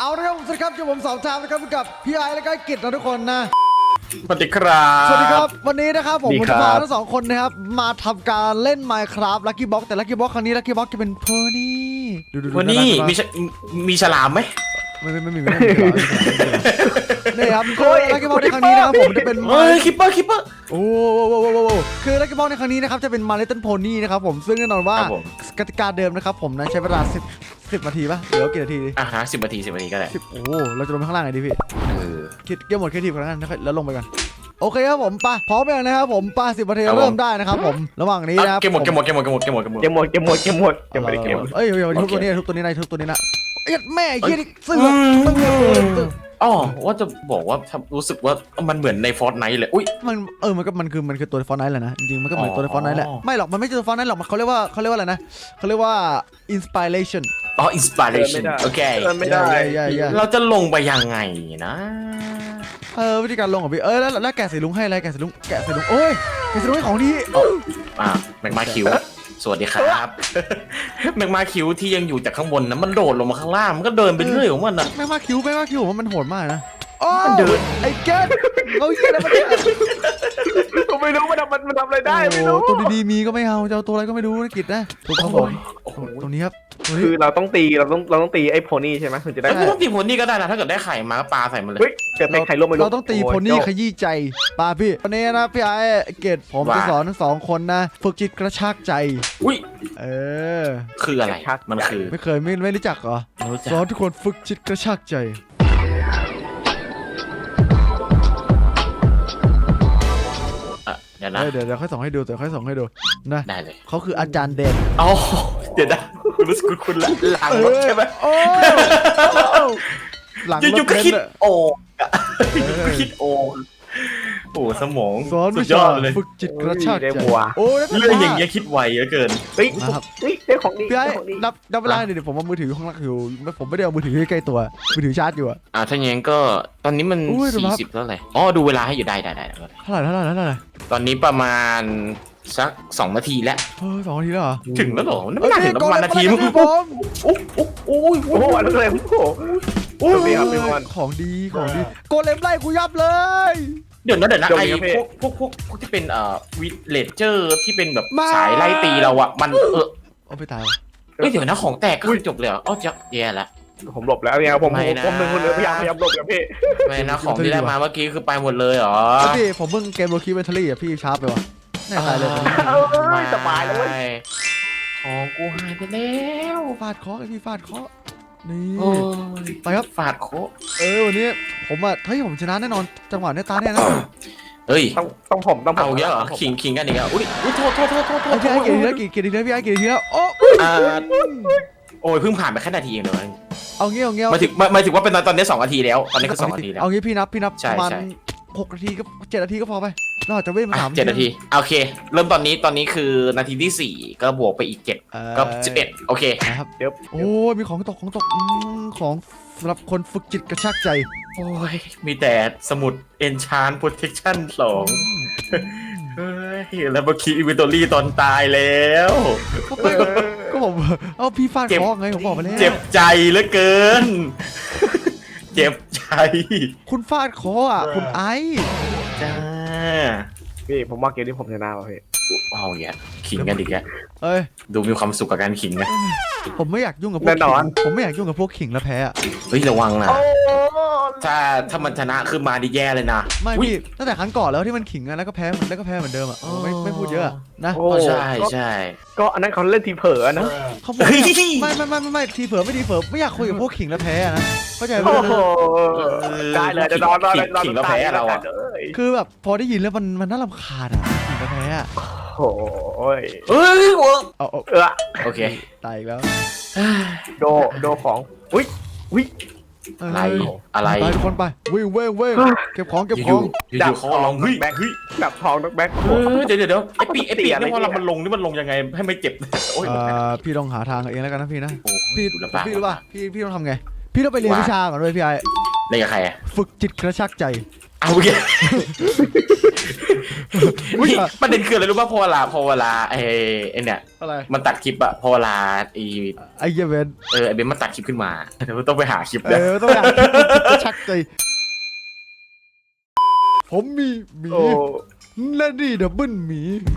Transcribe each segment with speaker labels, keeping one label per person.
Speaker 1: เอาละครับสวัสดีครับผมสองทามนะครับกับพี่ไอและก็กิจนะทุกคนนะ
Speaker 2: สวัสดีครับ
Speaker 1: สวัสดีครับวันนี้นะครับผมจะพาทั้งสองคนนะครับมาทำการเล่น Minecraft Lucky Box แต่ Lucky Box ครั้งนี้ Lucky Box จะเป็นเพอร์นี่
Speaker 2: วันนี้มีฉลามไหม
Speaker 1: ไม่มีนี่ครับคือ Lucky Box ในครั้งนี้นะครับผมจะเป็น
Speaker 2: คิปเปอร์
Speaker 1: โอ้คือ Lucky Box ในครั้งนี้นะครับจะเป็น My Little Pony นะครับผมซึ่งแน่นอนว่ากติกาเดิมนะครับผมนั้นใช้เวลา10นาทีป่ะหรือกี่นาที
Speaker 2: 10 นาทีก็ได้
Speaker 1: โอ้เราจะลงไปข้างล่างไงดีพี่คิดเกมหมดแค่ทีก่อนแล้วลงไปกันโอเคครับผมพร้อมยังนะครับผม10 นาทีเริ่มได้นะครับผมระหว่างนี้นะครับ
Speaker 2: เกมหมด
Speaker 1: เอ้ยทุบตัวนี้นะเอ็ดแม่ไอ้เหี้ยนี่ซื้อ
Speaker 2: อ๋อว่าจะบอกว่ารู้สึกว่ามันเหมือนในฟอร์ตไนท์เลยอุ้ย
Speaker 1: มันคือตัวฟอร์ตไนท์แหละนะจริงๆมันก็เหมือนตัวฟอร์ตไนท์แหละไม่หรอกมันไม่ใช่ตัวฟอร์ตไนท์หรอกเขาเรียกว่าอะไรนะเขาเรียกว่า inspiration
Speaker 2: inspiration โอเค
Speaker 3: ไม่ได้
Speaker 2: เราจะลงไปยังไงนะ
Speaker 1: วิธีการลงของพี่แล้วแกะสีลุงให้อะไรแกะสีลุงโอ้ยแกะสีลุงให้ของดี
Speaker 2: แมกมาคิวสวัสดีครับแมกมาคิวที่ยังอยู่จากข้างบนนะมันโดดลงมาข้างล่างมันก็เดินไปเรื่อยของมันนะ
Speaker 1: แมกมาคิวมันโหดมากนะมันเดินไอ้แกเขาเหี้ยอะไรมาเนี่ย
Speaker 3: ก็ไม่รู้มันทำอะไรได้ไม่รู้
Speaker 1: ตัวดีๆมีก็ไม่เอาจะเอาตัวอะไรก็ไม่รู้นะกิจนะถูกครับผมตรงนี้ครับ
Speaker 3: คือเราต้องตีไอ้โพนี่ใช่ไหมถึงจะได้
Speaker 2: ไม่ต้องตีโพนี่ก็ได้นะถ้าเกิดได้ไข่มาก็ปาใส่มันเลย
Speaker 3: เกิดเป็นไข่ร่วมไม่รู้
Speaker 1: เราต้องตีโพนี่ขยี้ใจปาพี่วันนี้นะพี่ไอ้เกตผมจะสอนทั้ง2 คนนะฝึกจิตกระชากใจ
Speaker 2: อุ้ยคืออะไรมันคือ
Speaker 1: ไม่เคยไม่รู้จักเหรอสอนทุกคนฝึกจิตกระชากใจเดี๋ยวค่อยส่งให้ดูนะ
Speaker 2: ได้เลย
Speaker 1: เขาคืออาจารย์เด่น
Speaker 2: อ๋อเดี๋ยวนะรู้สึกคุณหลังรถใช่ไหม
Speaker 1: หลังรถ
Speaker 2: อยู่ก็คิดโอ่โอ้สมองสุดยอดเลย
Speaker 1: ฝึกจิตกระชากใจ
Speaker 2: โอ้เรื่องอย่างเงี้ยคิดไวเหลือเกิน
Speaker 3: ได้ของดี
Speaker 1: พี่ไอ้นับเวลาเดี๋ยวผมเอามือถืออยู่ข้างล่างอยู่ผมไม่ได้เอามือถือใกล้ตัวมือถือชาร์จอยู่
Speaker 2: ถ้าอย่างนั้นก็ตอนนี้มัน40แล้วไงดูเวลาให้อยู่ได้
Speaker 1: เท่าไหร่
Speaker 2: ตอนนี้ประมาณสัก2 นาทีแล้ว
Speaker 1: 2 นาทีแล้วเหรอ
Speaker 2: ถึงแล้วเหรอไม่น่าถึงประมาณนาทีมั้ง
Speaker 3: โอ้อะไรเลยโอ้
Speaker 1: ของดีโกเลมไล่กูยับเลย
Speaker 2: เดี๋ยวนะไอ้พวกที่เป็นวิเลเจอร์ที่เป็นแบบสายไล่ตีเราอะมัน
Speaker 1: เอาไปตาย
Speaker 2: เดี๋ยวนะของแตกก็จบเลยจะแย่แล้ว
Speaker 3: ผมหลบแล้วเนี่ยผมเป็นคนพยายามหลบกับพี่
Speaker 2: ไม่นะของที่ได้มาเมื่อกี้คือไปหมดเลยเหรอ
Speaker 1: พี่ผมเพิ่งเกมโรคีเวนทอรี่อะพี่ชาร์จไปวะแน่ตายเลย
Speaker 3: ไม่สบายแล้ว
Speaker 2: ของกูหายไปแล้ว
Speaker 1: ฟาดเคาะพี่ฟาดเคาะนี่ไปครับ
Speaker 2: ฟาดโค
Speaker 1: วันนี้ผมผมชนะแน่นอนจังหวะนี้ตาแน่นะ
Speaker 2: เฮ้ย
Speaker 3: ต้องผม
Speaker 2: เอาเยอะเหรอขิงกันอีกแล้วอุ้ยโทษ
Speaker 1: พี่ไอ้เกียรติพี่ไอ้เกียรติแล้ว
Speaker 2: โอ้ยเพิ่งผ่านไปแค่นาทีเองเลย
Speaker 1: เอาเงี้ย
Speaker 2: หมายถึงว่าเป็นตอนนี้2 นาทีแล้วตอนนี้คือ2 นาทีแล้ว
Speaker 1: เอางี้พี่นับประมาณ6 นาทีก็7 นาทีก็พอไปเราจะเว้นมา
Speaker 2: 7 นาทีโอเคเริ่มตอนนี้คือนาทีที่4ก็บวกไปอีก7ก็11โอเค
Speaker 1: ครับโอ้มีของตกของสำหรับคนฝึกจิตกระชากใจ
Speaker 2: โอ้ยมีแต่สมุด Enchant Protection 2แล้วเมื่อกี้อินเวนทอรี่ตอนตายแล้ว
Speaker 1: ก็ผมพี่ฟาดเคาะไงผมบอกไปแล้ว
Speaker 2: เจ็บใจเหลือเกินเจ็บใจ
Speaker 1: คุณฟาดเคาะคุณไอ้
Speaker 2: จ้า
Speaker 3: พี่ผมว่าเกมนี้ผมชนะว่ะพี่
Speaker 2: เอาอย่างเงี้ยขิงกันดิแกดูมีความสุขกับการขิงนะ
Speaker 1: ผมไม่อยากยุ่งกับพวกผมไม่อยากยุ่งกับพวกขิงแล้วแพ้
Speaker 2: ระวังนะถ้ามันชนะขึ้นมาดิแย่เลยนะ
Speaker 1: ไม่พี่ตั้งแต่ครั้งก่อนแล้วที่มันขิงแล้วก็แพ้เหมือนเดิมไม่พูดเยอะนะ
Speaker 2: ใช่
Speaker 3: ก็อันนั้นเขาเล่นทีเผลอนะ
Speaker 1: เขาบอกไม่ทีเผลอไม่อยากคุยกับพวกขิงแล้วแพ้นะเข้าใจไหม
Speaker 3: ได้เลยจะนอน
Speaker 2: ขิงแล้วแพ้เรา
Speaker 1: คือแบบพอได้ยินแล้วมันน่ารำคาญขิงแล้วแพ้
Speaker 3: โอ้ย
Speaker 2: โอเค
Speaker 1: ตายอีกแล้ว
Speaker 3: โดของอุ้ย
Speaker 2: อะไร
Speaker 1: ทุกคนไปวิ่งเก็บของ
Speaker 2: ดับของลง
Speaker 3: ดับทองแบ็ค
Speaker 2: เดี๋ยวไอ้ปีนี่พอเรามันลงยังไงให้ไม่เจ็บ
Speaker 1: พี่ต้องหาทางเองแล้วกันนะพี่นะพี่รู้ป่ะพี่ต้องทำไงพี่ต้องไปเรียนวิชาก่อนด้วยพี่ไอ้
Speaker 2: เรียนกับใคร
Speaker 1: ฝึกจิตกระชากใจ
Speaker 2: เอาโอเคประเด็นคืออะไรรู้ป่ะพอเวลาไอ้เนี่ย
Speaker 1: อะไร
Speaker 2: มันตัดคลิปอะพอเวลาไอ้
Speaker 1: ไอ้เหี้ยเวน
Speaker 2: ไอ้เบนมันตัดคลิปขึ้นมาเดี๋ยวต้องไปหาคลิป
Speaker 1: เอ
Speaker 2: นะ
Speaker 1: อต้องอยากจะชักใจผมมีหมี
Speaker 3: โอ้
Speaker 1: และนี่ดับเบิลหมี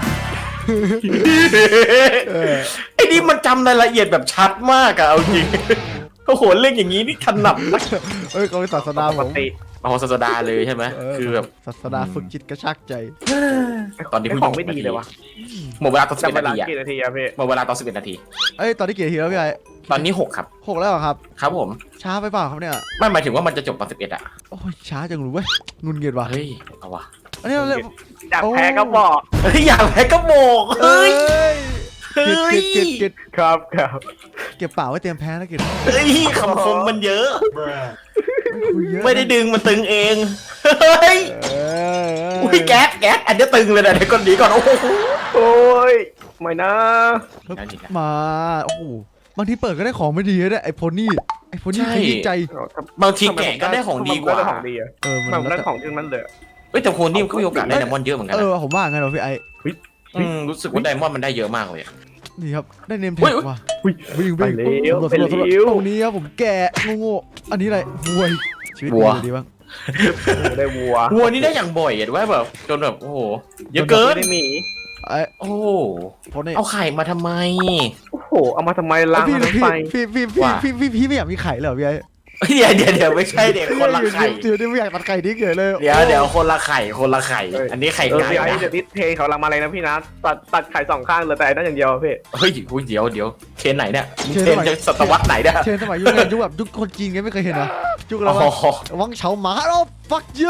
Speaker 2: ไอ้นี่มันจำรายละเอียดแบบชัดมากอะเอาจริงโอ้โหเรื่องอย่างนี้นี่ถนัดนะ
Speaker 1: เอ้ยเขาเป็นศาสดา
Speaker 3: ป
Speaker 1: ผ
Speaker 3: ก
Speaker 1: ม
Speaker 3: ติ
Speaker 2: เอาศาสดาเลยใช่ไหมคือแบบ
Speaker 1: ศาสดาฝึกจิตกระชากใจ
Speaker 2: ตอนนี้
Speaker 3: ไอ้
Speaker 2: เพิ่ง
Speaker 3: ของไม่ดีเลยวะ
Speaker 2: หมดเวลาตอน
Speaker 3: จำเว
Speaker 2: 11
Speaker 3: ลา
Speaker 2: นาทีอะ
Speaker 3: กี่นาทีอะพี่
Speaker 2: หมดเวลาตอน11 นาที
Speaker 1: เอ้ยตอนนี้กี่นาทีแล้วพี่ไอ้
Speaker 2: ตอนนี้6ครับ
Speaker 1: 6แล้วเหรอครับ
Speaker 2: ครับผม
Speaker 1: ช้าไปเปล่าครับเนี่ย
Speaker 2: ไม่หมายถึงว่ามันจะจบตอน11อะ
Speaker 1: โอ้ยช้าจังรู้เว้ยงุนเงียดว่ะ
Speaker 2: เฮ้ยเอาวะ
Speaker 1: อันนี้เราเล่น
Speaker 3: อยากแพ้ก็บอก
Speaker 2: เฮ้ยอยากแพ้ก็โบก
Speaker 1: เอ้
Speaker 2: เฮ้ย
Speaker 1: ยเก็บ
Speaker 3: ครับครับ
Speaker 1: เก็บเปล่าไว้เตรียมแพ้แล้วกิน
Speaker 2: เฮ้ยคำคมมันเยอะ
Speaker 1: คุยเยอะ
Speaker 2: ไม่ได้ดึงมันตึงเองเฮ้ย อุ้ยแก๊สอันนี้ตึงเลยนะเดี๋ยวก่อนหนีก่อนโอ้โห
Speaker 3: โอ้ยไม่นะ
Speaker 1: มาโอ้โหบางทีเปิดก็ได้ของไม่ดีนะไอ้โพนี่ขยี้ใจ
Speaker 2: บางทีแกะก็ได้ของดีกว่า
Speaker 3: ได้ของดีอะ
Speaker 1: เออมัน
Speaker 3: มันได้ของที่นั้นเลย
Speaker 2: เฮ้ยแต่คนนี่มันก็มีโอกาสได้ไดมอนด์เยอะเหมือนกัน
Speaker 1: เอ
Speaker 2: นะ
Speaker 1: อผมว่าไงเราพี่ไอ้
Speaker 2: รู้สึกว่าไดมอนด์มันได้เยอะมากเลยอะ
Speaker 1: นี่ครับได้เนมแท็
Speaker 2: อุ๊
Speaker 1: ก
Speaker 2: ย
Speaker 1: ว่ะ
Speaker 3: อุ้ย
Speaker 1: วิ่ง
Speaker 3: ไปเร็ว
Speaker 1: ตำรวจ
Speaker 3: ไปเร็ว
Speaker 1: ตรงนี้ครับผมแกะโง่ๆอันนี้อะไรวัวชีวิตดีบ้าง
Speaker 3: ได้วัว
Speaker 2: วัวนี่ได้อย่างบ่อยเห็นว่าแบบจนแบบโอ้โหเยอะเกิน
Speaker 3: ไม่ได้หมี
Speaker 1: ไอ้
Speaker 2: โอ้โห
Speaker 1: โพนี่
Speaker 2: เอาไข่มาทำไม
Speaker 3: โอ้โหเอามาทำไมล้าง
Speaker 1: พี่
Speaker 3: มันไป
Speaker 1: พี่ไม่อยากมีไข่เลยเหรอพี่ไอ้
Speaker 2: เดี๋ยวไม่ใช่เด็กคนละไข่
Speaker 1: เดี๋ยวไม่อยากตัดไข่นี้เกิดเลย
Speaker 2: เดี๋ยวคนละไข่ อันนี้ไข่
Speaker 3: เออ
Speaker 2: ไก่
Speaker 3: พี่ไอ้
Speaker 2: นะ
Speaker 3: เดี๋ยวนี้เทเขาลังมาเลยนะพี่นะตัดไข่สองข้างเลยแต่นั่นอย่างเดียวพี่
Speaker 2: เฮ้ยเดี๋ยวเทรนไหนเนี่ยเทรนจะศตวรรษไหนเนี่ย
Speaker 1: เชนสมัยยุคแบบยุคคนจีนไงไม่เคยเห็นนะยุคอะไร
Speaker 2: อ๋อ
Speaker 1: วะวังเฉาหมาแล้ว fuck you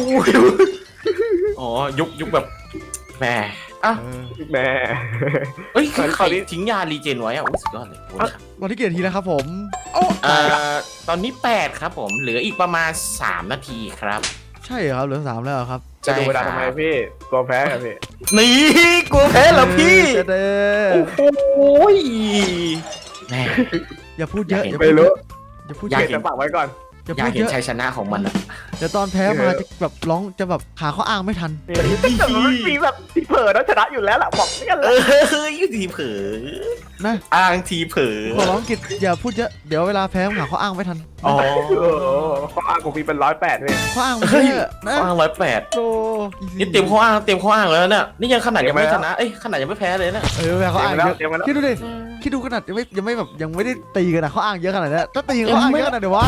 Speaker 2: อ๋อยุคแบบแหมอ่ะ
Speaker 3: แม่
Speaker 2: เอ้ย
Speaker 3: คราวนี้
Speaker 2: ใครทิ้งยารีเจนไว้อะอุ้ยสุดยอดเลยโอ้ย
Speaker 1: วันที่เกียรติทีแล้วครับผมโอ้
Speaker 2: ตอนนี้8ครับผมเหลืออีกประมาณ3 นาทีครับ
Speaker 1: ใช่เหรอครับเหลือ3แล้วเหรอครับ
Speaker 3: จะดูเวลาทำไมพี่กลัวแพ้กันพี่
Speaker 2: นี่กลัวแพ้เหรอพี่
Speaker 1: เด้
Speaker 2: โอ้โหแม่
Speaker 1: อย่าพูดเยอะ
Speaker 3: ไม่รู้
Speaker 1: อย่าพูด
Speaker 2: อยาก
Speaker 1: เย
Speaker 3: เก็
Speaker 1: อะ
Speaker 3: บจะฝากไว้ก่อน
Speaker 1: อย่า
Speaker 2: อยา
Speaker 1: พู
Speaker 2: ก
Speaker 1: ด
Speaker 2: เห็
Speaker 1: เย
Speaker 2: น
Speaker 1: อะ
Speaker 2: ชัยชนะของมันอะ
Speaker 1: เดี๋ยวตอนแพ้มาจะแบบร้องจะแบบหาข้ออ้างไม่ทัน
Speaker 3: แต่มันมีแบบที่เผลอแล้วชนะอยู่แล้วล่ะบอกนี่กันเล
Speaker 2: ยุทีเผลอ
Speaker 1: นะ
Speaker 2: อ้างทีเผลอ
Speaker 1: ขอร้องกิจอย่าพูดเยอะเดี๋ยวเวลาแพ้หาข้ออ้างไม่ทัน
Speaker 2: อ๋อ
Speaker 3: ข้ออ้างของพี่เป็น108เลย
Speaker 1: ข้ออ้างมัน
Speaker 2: เฮ้ย
Speaker 1: เยอะนะ
Speaker 2: ข้ออ้าง108
Speaker 1: โต
Speaker 2: นี่เตรียมข้ออ้างแล้วเนี่ยนี่ยังขนาดยังไม่ชนะขนาดยังไม่แพ้เลยนะ
Speaker 1: เวลาข้ออ้างเยอะ
Speaker 3: เตรียมไว้แล้ว
Speaker 1: คิดดูดิคิดดูขนาดยังไม่แบบยังไม่ได้ตีกันนะข้ออ้างเยอะขนาดนี้ถ้าตีข้ออ้างเยอะขนาดเดี๋ยววะ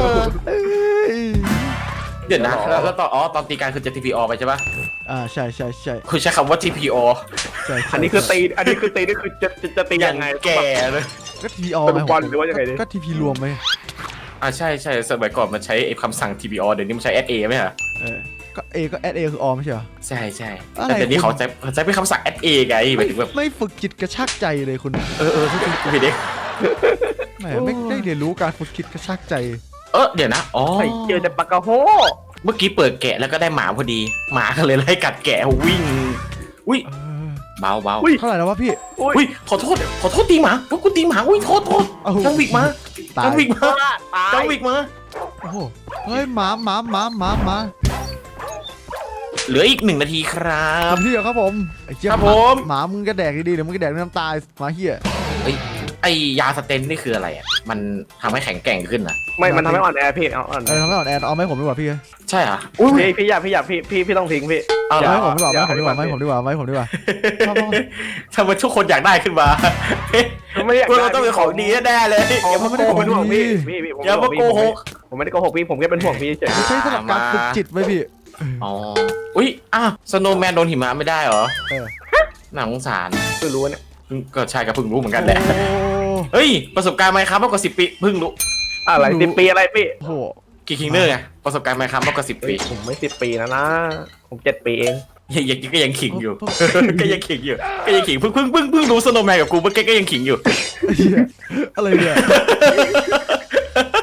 Speaker 2: เดี๋ยวนะแล้วตอนตีการคือจะ TPO ไปใช่ปะ
Speaker 1: ใช่
Speaker 2: คุณใช้คำว่า TPO
Speaker 1: ใช่
Speaker 3: อันนี้คือตีนี่คือจะตี
Speaker 2: อย่า
Speaker 3: ยัง งไง
Speaker 2: แก่เลย
Speaker 1: ก็ทีออ
Speaker 3: เป็นบอลหรือว่ายังไงดิ
Speaker 1: ก็ทีพีรวมไหม
Speaker 2: ใช่สมัยก่อนมันใช้คำสั่ง TPO เดี๋ยวนี้มันใช้ SA ไหมฮะ
Speaker 1: ก็เอก็แอดเอคือออไม่ใช่เหรอ
Speaker 2: ใช่
Speaker 1: อะไร
Speaker 2: แต่เดี๋ยวนี้เขาใช้เป็นคำสั่ง SA ไงหมายถึงแบบ
Speaker 1: ไม่ฝึกจิตกระชากใจเลยคุณ
Speaker 2: คุณผิดเอง
Speaker 1: ไม่ได้เรียนรู้การฝึกจิตกระชากใจ
Speaker 2: เดี๋ยวนะอ๋อ
Speaker 3: ไอ้เจอแต่ปากกาโฮ
Speaker 2: เมื่อกี้เปิดแกะแล้วก็ได้หมาพอดีหมาก็เลยไล่กัดแกะวิ่งอุ้ยเบา
Speaker 1: เท่าไหร่แล้ววะพี่
Speaker 2: อุ้ยขอโทษตีหมาพวกกูตีหมาอุ้ยโทษจังวิกมา
Speaker 1: ตาย
Speaker 2: จังวิกมา
Speaker 3: ตาย
Speaker 2: จังวิกมา
Speaker 1: โอ้โหเฮ้ยหมา
Speaker 2: เหลืออีก1 นาทีครับ
Speaker 1: ทำที่เดียวครับผมไอ้เจี๊ย
Speaker 2: ครับผม
Speaker 1: หมามึงก็แดกดีๆเดี๋ยวมึงก็แดกน้ำตาหมาเหี้ย
Speaker 2: ไอยาสเตนนี่คืออะไรอ่ะมันทำให้แข็งแกร่งขึ้นอ่ะ
Speaker 3: ไม่มันทำให้อ่อนแอพี่อ่อน
Speaker 1: ทำให้อ่อนแอเอาไหมผมดีกว่าพี่
Speaker 2: ใช่เหรอ
Speaker 3: พี่อยากพี่ต้องทิ้งพี่
Speaker 2: เอาเหร
Speaker 1: เอา
Speaker 2: อ
Speaker 1: ให้ผมดีกว่าไม่ผมดีกว่า
Speaker 2: ทำไมทุกคนอยากได้ขึ้นมา
Speaker 3: ไม่อยาก
Speaker 2: เราต้องเป็นของดีแน่ๆเลย
Speaker 3: อย่ามาโกหกเป็นห่วงพี่
Speaker 2: อย่ามาโกหก
Speaker 3: ผมไม่ได้โกหกพี่ผมแค่เป็นห่วงพี่เฉย
Speaker 1: ไม่ใช่สำหรับการฝึกจิตไว้พี่
Speaker 2: อ๋ออุ้ยสโนว์แมนโดนหิมะไม่ได้เหรอ
Speaker 1: เออ
Speaker 2: น่าสงสาร
Speaker 3: คือรู้เนี่ย
Speaker 2: ก็ใช่ก็เพิ่งรู้เหมือนกันแหละ
Speaker 1: โอ้
Speaker 2: เฮ้ยประสบการณ์ไหมครับมากกว่า10 ปีเพิ่งรู้
Speaker 3: อะไร10 ปีอะไรพี่
Speaker 1: โห
Speaker 2: กี่คิงเนอร์ไงประสบการณ์ไหมครับมากกว่า10 ปี
Speaker 3: ผมไม่10 ปีนะผม7 ปีเอง
Speaker 2: ก็ยังขิงอยู่ ก็ยังขิงเพิ่งรู้สโนว์แมนกับกูเมื่อกี้ก็ยังขิงอยู่
Speaker 1: อะไรเนี่ย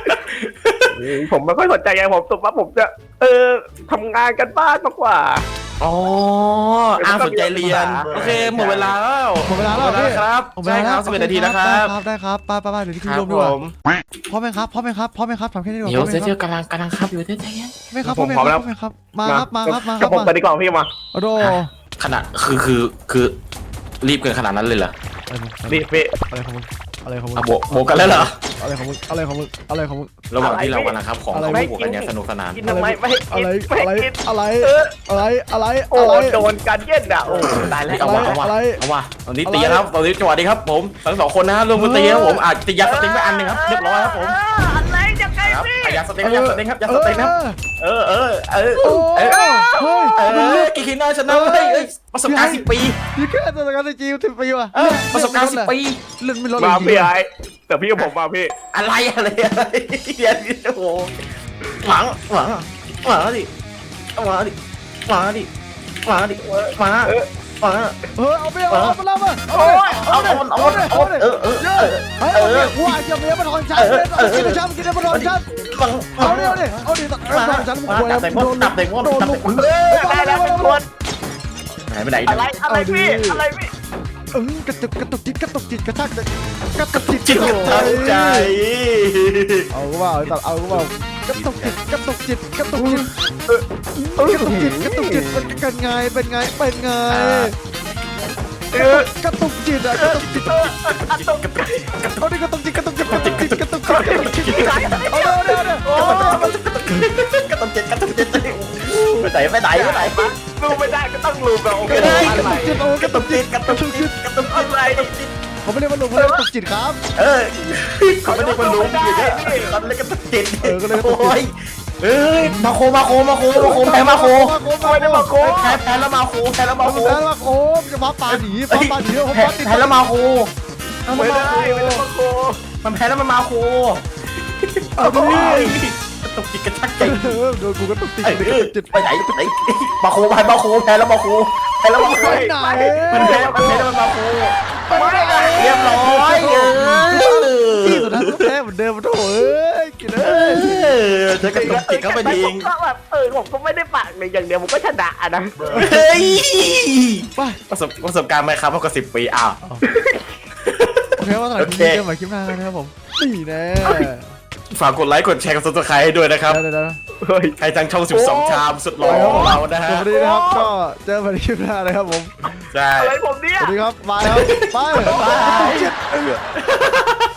Speaker 3: ผมไม่ค่อยสนใจไงผมสุดว่าผมจะทำงานกันบ้านมากกว่า
Speaker 2: อ๋ออ้างสนใจเรียนโอเคหมดเวลาแล้ว
Speaker 1: หมดเวลาแล้วพี่
Speaker 2: ครับใช่ครับ11 นาทีนะครับ
Speaker 1: ได้ครับไปเดี๋ยวที่
Speaker 2: ค
Speaker 1: คุ
Speaker 2: รั
Speaker 1: ณ
Speaker 2: บ
Speaker 1: รวม
Speaker 2: ผ
Speaker 1: ดีกว่าม พร้อมไหมครับทำแค่นี้ดีกว่า
Speaker 2: เดี๋ยว
Speaker 1: พร้อมไหม
Speaker 2: เดี๋ยว
Speaker 1: ครับ
Speaker 2: กำลังครับอยู่ใจเย็น
Speaker 1: ไม่ครับพร้อมไหมครับมาครับมา
Speaker 3: กับผมไปดีกว่าพี่มา
Speaker 1: โอ้โห
Speaker 2: ขนาดคือรีบเกินขนาดนั้นเลยเหรอ
Speaker 3: นี่พี่
Speaker 1: อะไรของมึงอะไรของมึง
Speaker 2: อ่ะโบกกันแล้วเหรอ
Speaker 1: อะไรของมึงอะไรของมึงอะไรของมึง
Speaker 2: ระหว่างที่เรากำลังครับของเขาบวกกันอย่างสนุกสนาน
Speaker 3: กินทำไมไม่ให้กินไม่ให้กิน
Speaker 1: อะไร
Speaker 3: โอ้โดนกันเย็นอ่ะโอ้ตายแล้ว
Speaker 2: เอาว่ะตอนนี้ตีครับตอนนี้จังหวะนี้ครับผมทั้ง2 คนนะร่วมกันตีครับผมตียาสเต็งไปอันนึงครับเรียบร้อยครับผม
Speaker 3: อะไรจะไง
Speaker 2: ครับ
Speaker 3: พี่
Speaker 2: ยาสเต็งครับยาสเต็งครับเออ
Speaker 1: เฮ้ย
Speaker 2: กิคิน่าชนะเฮ้ยประสบการณ์10 ปี
Speaker 1: ยี่แค่ตัวการจี10 ปีว่ะ
Speaker 2: ประสบการณ์10 ปี
Speaker 1: เรื่องไม่ลด
Speaker 3: มาพี่ไอ้แต่พี่กับผมมาพี่
Speaker 2: อะไรเดี๋ยวโอ้โหหวังดิ
Speaker 1: เอาไปเอาไปแล้วมา
Speaker 2: เอา
Speaker 1: ว่าจะมีมาทอนฉันกินฉันกินมาทอนฉันเอาดิฉันควร
Speaker 2: ได้
Speaker 3: แล้วเป็นคน
Speaker 2: หายไปไหน
Speaker 3: อะไรพี่อะไรพี่
Speaker 1: กระตุกจิตกระชากกระตุกจิต
Speaker 2: จิตตั้งใจ
Speaker 1: เอาก็ว่ากระตุกจิตเป็นไงกระตุกจิตเอาดิกระตุกจิตเอาเดี๋ยว
Speaker 2: ก็ต้องเจ็ดไปไหน
Speaker 3: ลูไม่ได้ก็ต้องลูเราโอเค
Speaker 1: กระตุกจิต
Speaker 3: อะไร
Speaker 1: เขาไม่เรียกว่าลุงเขาเรียกกระตุกจิตครับ
Speaker 2: เขาไม่ได้คนรู้อยู่เนี่ยตอนเล่นก็ต้องเจ็ด
Speaker 1: ก็เลยกระตุกจิต
Speaker 2: มาโคแพ้มาโค
Speaker 3: ไม่ได้มาโค้
Speaker 2: แพ้แล้วมาโคแพ้แล้วมาโค
Speaker 1: แล้วมาโคจะมาป่าหนีผมป่าติด
Speaker 2: แพ้แล้วมาโค
Speaker 3: ไม่ได้มาโค้
Speaker 2: มันแพ้แล้วมันมาโค
Speaker 1: เอาดิ
Speaker 2: ตกจิตกระชักใจ
Speaker 1: โดนกูกระตุกจิต
Speaker 2: ไปไหนมาโคแพ้แล้วมาโคมันแพ้แล้วมันมาโคเรียบร้อย
Speaker 1: ที่สุดท้ายแพ้เหมือนเดิมโถ่กินเลย
Speaker 2: จะกระตุกจิตเข้าไปทิ้ง
Speaker 3: ก็แบบผมก็ไม่ได้ปากเลยอย่างเดียวผมก็ชนะนะ
Speaker 2: เฮ้ย
Speaker 1: ไป
Speaker 2: ประสบการณ์ไหมครับมากกว่า10 ปีอ้าว
Speaker 1: โอเคว่าตอนนี้เจอใหม่คลิปหน้านะครับผมนี่แน่
Speaker 2: ฝากกดไลค์กดแชร์กับซับสไครต์ให้ด้วยนะครับ
Speaker 1: เดี๋ยว
Speaker 3: เฮ้ย
Speaker 2: ใครทางช่อง12 ชามสุดหล่อของเรานะฮะ
Speaker 1: สวัสดีนะครับก็เจอใหม่คลิปหน้านะครับผม
Speaker 2: ใช่
Speaker 3: อะไรผมเนี่ย
Speaker 1: สวัสดีครับบายครับบาย